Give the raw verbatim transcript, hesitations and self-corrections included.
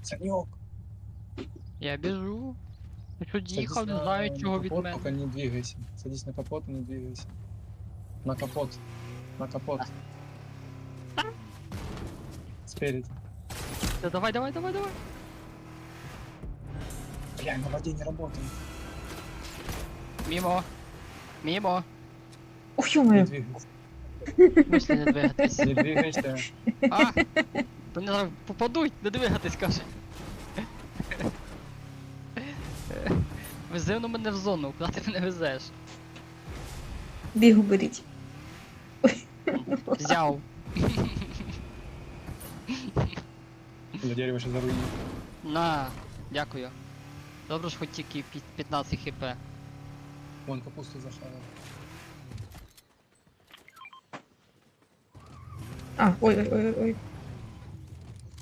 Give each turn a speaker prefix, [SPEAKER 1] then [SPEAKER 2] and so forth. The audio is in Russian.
[SPEAKER 1] Санек,
[SPEAKER 2] Я біжу. Ти що
[SPEAKER 1] садись
[SPEAKER 2] їхав, не
[SPEAKER 1] на,
[SPEAKER 2] знаю
[SPEAKER 1] на
[SPEAKER 2] чого від
[SPEAKER 1] капот, только
[SPEAKER 2] мене.
[SPEAKER 1] не двигайся. Садись на капот и не двигайся. На капот. На капот. Спереди.
[SPEAKER 2] Та давай, давай, давай, давай.
[SPEAKER 1] Бля, на воде не работает.
[SPEAKER 2] Мімо. Мімо.
[SPEAKER 3] Ох,
[SPEAKER 1] Не
[SPEAKER 3] ё-моё.
[SPEAKER 1] двигайся.
[SPEAKER 2] В смысле не двигатись?
[SPEAKER 1] Не двигайся.
[SPEAKER 2] А? То не зараз попадуть, не двигатись, каже. Вези воно мене в зону, куди ти мене везеш?
[SPEAKER 3] Бігу беріть.
[SPEAKER 2] Взяв.
[SPEAKER 1] Бля, дерево сейчас заруинит.
[SPEAKER 2] На, дякую. Добре ж хоч тільки пі- п'ятнадцять хп.
[SPEAKER 1] Вон капусту зашарил.
[SPEAKER 3] А, ой, ой, ой, ой.